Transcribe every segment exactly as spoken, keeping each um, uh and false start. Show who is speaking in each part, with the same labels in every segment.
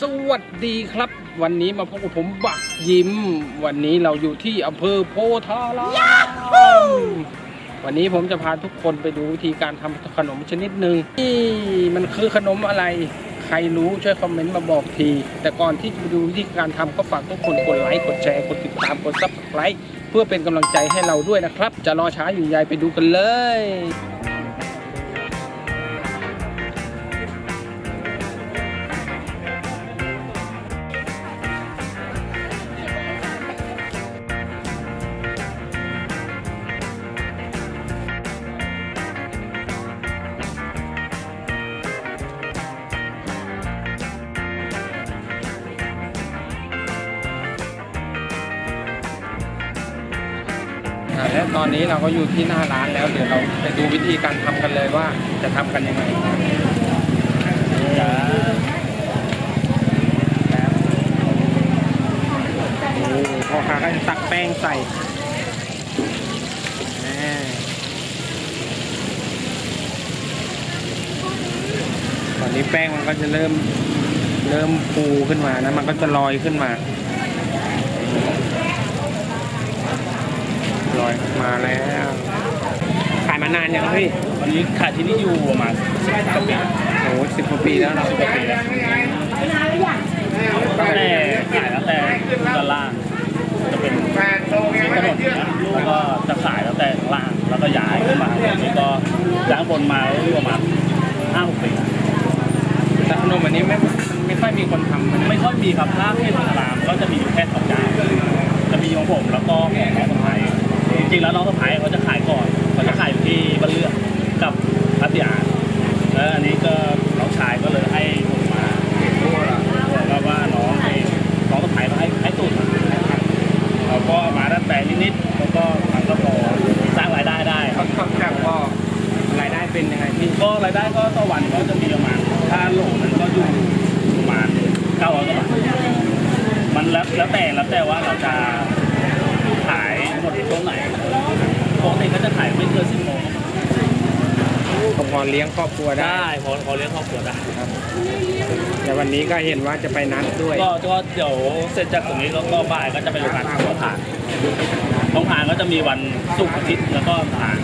Speaker 1: สวัสดีครับวันนี้มาพบกับผมบักยิ้มวันนี้เราอยู่ที่อำเภอโพธารามวันนี้ผมจะพาทุกคนไปดูวิธีการทำขนมชนิดหนึ่งนี่มันคือขนมอะไรใครรู้ช่วยคอมเมนต์มาบอกทีแต่ก่อนที่จะไปดูวิธีการทำก็ฝากทุกคนกดไลค์กดแชร์กดติดตามกดซับสไครต์เพื่อเป็นกำลังใจให้เราด้วยนะครับจะรอช้าอยู่ใหญ่ไปดูกันเลยและตอนนี้เราก็อยู่ที่หน้าร้านแล้วเดี๋ยวเราไปดูวิธีการทำกันเลยว่าจะทำกันยังไงพ่อค้าก็จะตักแป้งใส่ตอนนี้แป้งมันก็จะเริ่มเริ่มฟูขึ้นมานะมันก็จะลอยขึ้นมาลอยมาแล้วขายมานานยังพี่
Speaker 2: วันนี้ขายที่นี่อยู่ประมาณสิบกว่าปี
Speaker 1: โอ้สิบกว่าปีแล้วเราสิบกว่าปีแล้ว
Speaker 2: ตั้งแต่ขายตั้งแต่ด้านล่างจะเป็นถนนนะแล้วก็จะขายตั้งแต่ล่างแล้วก็ย้ายขึ้นมาอันนี้ก็ย้ายบนมาอยู่ประมาณห้าหกปี
Speaker 1: แต่ขนมอันนี้ไม่ไม่ค่อยมีคนทำ
Speaker 2: ไม่ค่อยมีครับถ้าที่สลามก็จะมีแค่สองอย่างจะมีของผมแล้วก็ของน้องสะพ้ายจริงๆแล้วน้องสะพ้ายเขาจะขายก่อนเขาจะขายอยู่ที่บ้านเลือกกับพัทยาแล้วอันนี้ก็น้องชายก็เลยให้ผมมาบอกว่าน้องให้น้องสะพ้ายมาให้ให้สูตรมาเราก็มาดัดแปลงนิดๆแล้วก็มันก็พอสร้างรายได้ได้
Speaker 1: เขาทำจากก็รายได้เป็นยังไงพี่
Speaker 2: ก็รายได้ก็ต่อวันก็จะมีประมาณถ้าโหลนั้นก็อยู่ประมาณเก้าร้อยกว่าบาทมันแล้วแล้วแต่แล้วแต่ว่าเราจะขายหมดช่วงไหนปกติก็จะขายไม่เกินสิบโมง
Speaker 1: ก็พอเลี้ยงครอบครัวได้
Speaker 2: พอพอเลี้ยงครอบครัวได้ครับ
Speaker 1: แต่วันนี้ก็เห็นว่าจะไปนัดด้วย
Speaker 2: ก็ก็เดี๋ยวเสร็จจากตรงนี้แล้วก็บ่ายก็จะไปโรงงานต้องผ่านต้องผ่านก็จะมีวันศุกร์อาทิตย์แล้วก็ผ่าน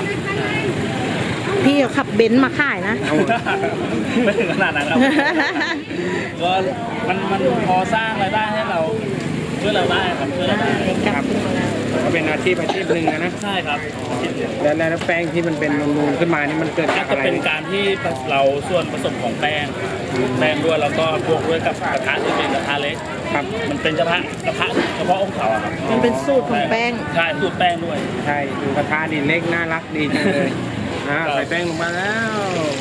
Speaker 3: พี่ขับเบนซ์มาขายนะ
Speaker 2: ไม่ถึงขนาดนั้นครับก็มันมันพอสร้างรายได้ให้เราเพื่อเราได้ครับเพื่อเราได้
Speaker 1: ครับก็เป็นอาชีพอาชีพหนึ่งนะ
Speaker 2: ใช่ครับ
Speaker 1: แล้วแล้วแป้งที่มันเป็นนูนๆขึ้นมานี่มันเกิดจากอะไร
Speaker 2: จะเป็นการที่เราส่วนผสมของแป้งแป้งด้วยแล้วก็บวกด้วยกับกระทะที่เป็นกระทะเล็ก
Speaker 1: ครับ
Speaker 2: มันเป็นกระทะกระทะเฉพาะองค์เขาครับ
Speaker 3: มันเป็นสูตรของแป้ง
Speaker 2: ใช่สูตรแป้งด้วย
Speaker 1: ใช่ดูกระทะนี่เล็กน่ารักดีจังเลยอ่าใส่แป้งลงมาแล้ว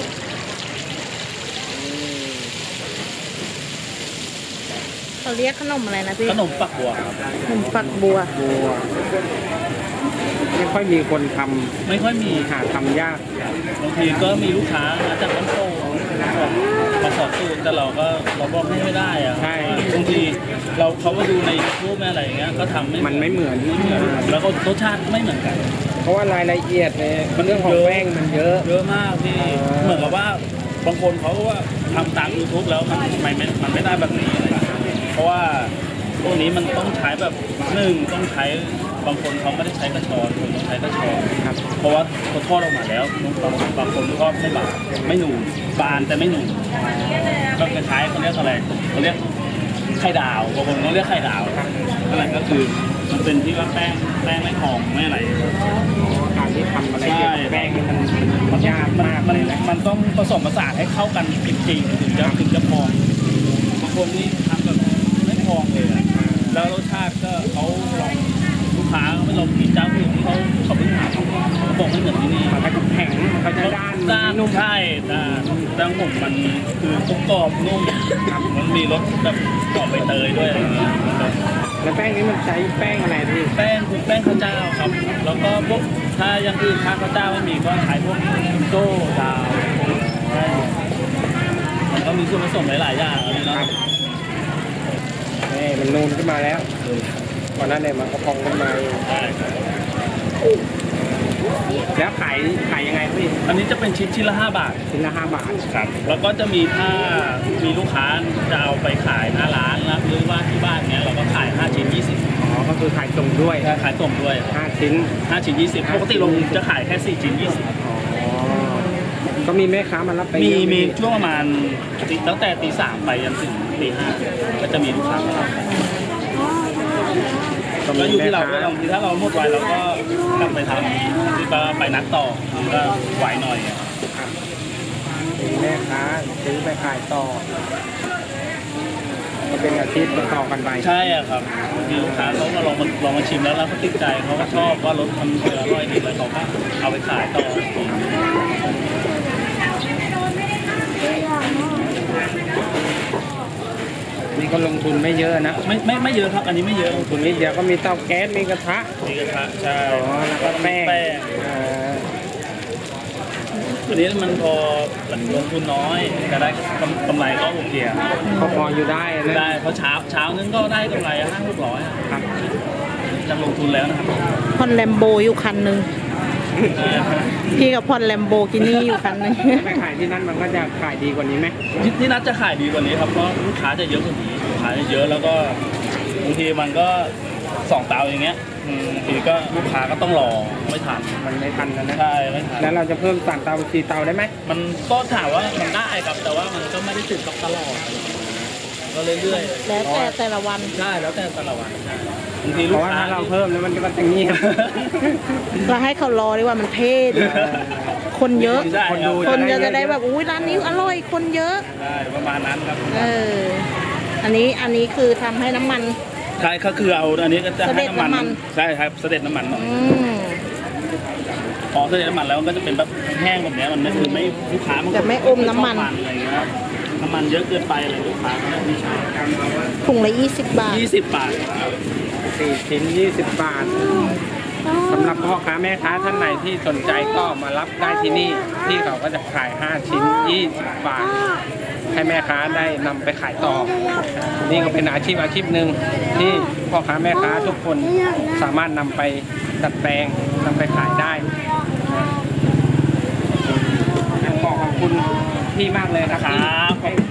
Speaker 3: เขาเรียกขนมอะไรนะพี่
Speaker 2: ขนมปักบัวครับ
Speaker 3: ขนมปักบัว
Speaker 1: บัวไม่ค่อยมีคนทำ
Speaker 2: ไม่ค่อยมี
Speaker 1: หาทำยาก
Speaker 2: บางทีก็มีลูกค้ามาจากต้นโตมาขอสูตรแต่เราก็เราบอกให้ไม่ได้อะ
Speaker 1: ใช่
Speaker 2: บางทีเราเขาก็ดูในรูปแม่อะไรอย่างเงี้ยก็ทำไม่
Speaker 1: มันไม่เหมือน
Speaker 2: ไม่เหมือนแล้วก็รสชาติไม่เหมือนกัน
Speaker 1: เพราะว่ารายละเอียดเนี่ยเรื่องของแป้งมันเยอะ
Speaker 2: เยอะมากที่เหมือนกับว่าบางคนเขาว่าทำตาม ยูทูบ แล้วมันไม่มันไม่ได้แบบนี้อะไรเพราะว่าพวกนี้มันต้องใช้แบบหนึ่งต้องใช้บางคนเขาไม่ได้ใช้กระชอนคนต้องใช้กระชอน
Speaker 1: ครับ
Speaker 2: เพราะว่าเขาทอดออกมาแล้วบางบางคนทอดไม่บานไม่หนูบานแต่ไม่หนูก็คล้ายเขาเรียกอะไรเขาเรียกไข่ดาวบางคนเขาเรียกไข่ดาวอะไรก็คือมันเป็นที่ว่าแป้งแป้งไม่หอมไม่อะไร
Speaker 1: การที่ทำอะไรเกี่ยวกับแป้งนี่มันมันยากมากเลยนะ
Speaker 2: มันต้องผสมผสานให้เข้ากันจริงๆถึงจะถึงจะพอบางคนนี่ทำแบบไม่พองเลยแล้วรสชาติก็เขาลองลูกค้าไม่ลองกินเจ้าอื่นที่เขาเขาเพิ่งทำเขาบอกไม่เหมือนที่นี่
Speaker 1: มันก็แข็งมันก็ด้าน
Speaker 2: ด้านนุ่มใช่ด้านด้านผมมันคือกรอบนุ่มมันมีรสแบบกรอบใบเตยด้วยอะไรอย่างเงี้ย
Speaker 1: แล้วแป้งนี้มันใช้แป้งอะไรพี่
Speaker 2: แป้งคือแป้งข้าวเจ้าครับแล้วก็พวกถ้ายังอื่นถ้าข้าวเจ้าไม่มีก็ขายพวกโซ่ดาวมันก็มีส่วนผสมหลายๆอย่างอะไรเนาะ
Speaker 1: นี่มันนูนขึ้นมาแล้วก่อนหน้าเนี่ยมันก็พองขึ้นมาแล้วขายขายยังไงพี่
Speaker 2: อันนี้จะเป็นชิ้นชิ้นละห้าบาท
Speaker 1: ชิ้นละห้าบาท
Speaker 2: ครับแล้วก็จะมีถ้ามีลูกค้าจะเอาไปขายหน้าร้านนะหรือว่าที่บ้านเนี้ยเราก็ขายห้าชิ้นยี่สิบ
Speaker 1: อ๋อก็คือขายส่งด้วย
Speaker 2: ขายส่งด้วย
Speaker 1: ห้าชิ้น
Speaker 2: ห้าชิ้นยี่สิบปกติลงจะขายแค่สี่ชิ้นยี่สิบ
Speaker 1: อ๋อก็มีแม่ค้ามารับไป
Speaker 2: มี
Speaker 1: เยอะไห
Speaker 2: มีช่วงประมาณตีตั้งแต่ตีสามไปจนถึงตีห้าก็จะมีลูกค้ามารับก็อยู่ที่เราก็บางทีถ้าเราหมดไวเราก็กลับไปทำที่ก็ไปนัดต่อก็ไหวหน่อย
Speaker 1: ครับมีแม่ค้าซื้อไปขายต่อก็เป็นอาชีพต่อๆกันไป
Speaker 2: ใช่อะครับมีลูกค้าเขาก็ลองมาลองมาชิมแล้วแล้วเขาติดใจเขาก็ชอบว่ารสทำเกลืออร่อยดีแล้วเขาก็เอาไปขายต่อ
Speaker 1: นี่ก็ลงทุนไม่เยอะนะ
Speaker 2: ไม่ไม่ไม่เยอะครับอันนี้ไม่เยอะ
Speaker 1: ลงทุนนิดเดียวก็มีเตาแก๊สมีกระทะ
Speaker 2: มีกระทะใช่
Speaker 1: อ๋อแล้วก็แป้ง
Speaker 2: แป้ง
Speaker 1: เอ่อ
Speaker 2: อันนี้มันพอลงทุนน้อยแต่ได้กำกำไรก็โอเคอะ
Speaker 1: เขาพออยู่ได้นะ
Speaker 2: ได้เพราะเช้าเช้านึงก็ได้กำไรห้าหกร้อยอะ
Speaker 1: ครับ
Speaker 2: จากลงทุนแล้วนะครับ
Speaker 3: พอนแลมโบอยู่คันหนึ่งพี่กับพอนแลมโบกินี่อยู่คันหนึ่ง
Speaker 1: ไปขายที่นั่นมันก็จะขายดีกว่านี้ไหม
Speaker 2: ที่ที่นัดจะขายดีกว่านี้ครับเพราะลูกค้าจะเยอะกว่านี้ลูกค้าจะเยอะแล้วก็บางทีมันก็สองเตาอย่างเงี้ยอืมบางทีก็ลูกค้าก็ต้องรอไม่ทัน
Speaker 1: มันไม่ทันแล้วนะ
Speaker 2: ใช่ไม่ทัน
Speaker 1: แล้วเราจะเพิ่มสั่งเตาสี่เตาได้ไหม
Speaker 2: มันก็ถามว่ามันได้ครับแต่ว่ามันก็ไม่ได้ติดกับตลอดก็เรื่อย
Speaker 3: แล้วแต่แต่ละวัน
Speaker 2: ๆใช่แล้วแต่แต่ละวันใช่บางที
Speaker 1: เพ
Speaker 2: ลูก
Speaker 1: ราะว่า
Speaker 2: ค้า
Speaker 1: ถ้าเราเพิ่มแล้วมันก็จะเงียบ
Speaker 3: เราให้เขารอดีกว่ามันเท่ดี
Speaker 1: เออ
Speaker 3: คนเยอะ
Speaker 2: ใช่
Speaker 1: คนดู
Speaker 3: คนจะจะได้แบบอุ้ยร้านนี้อร่อยคนเยอะ
Speaker 2: ได้ประมาณนั้นครับ
Speaker 3: เออ อันนี้อันนี้คือทำให้น้ำมัน
Speaker 2: ใช่ก็คือเอาอันนี้ก็จะให้น้ำมัน
Speaker 3: เสด็จน้ำมัน
Speaker 2: ใช่ครับเสด็จน้ำมันหน่อย
Speaker 3: อืม
Speaker 2: พอเสด็จน้ำมันแล้วมันก็จะเป็นแบบแห้งแบบเนี้ยมันไม่คือไม่ลูกค้ามัน
Speaker 3: แต่ไม่อมน้ำมัน
Speaker 2: ชอบอะไรอย่างเงี้ยครับน้ำมันเยอะเกินไปอะไรลูกค้าก็ไม่ชอบ
Speaker 3: ถุงละยี่สิบบาท
Speaker 2: ยี่สิบบาท
Speaker 1: สี่ชิ้นยี่สิบบาทสำหรับพ่อค้าแม่ค้าท่านไหนที่สนใจก็มารับได้ที่นี่ที่เขาก็จะขายห้าชิ้นยี่สิบบาท ให้แม่ค้าได้นำไปขายต่อ นี่ก็เป็นอาชีพอาชีพหนึ่งที่พ่อค้าแม่ค้าทุกคนสามารถนำไปดัดแปลงนำไปขายได้นะขอขอบคุณพี่มากเลยนะ
Speaker 2: ค
Speaker 1: ที่
Speaker 2: รับ
Speaker 1: ให้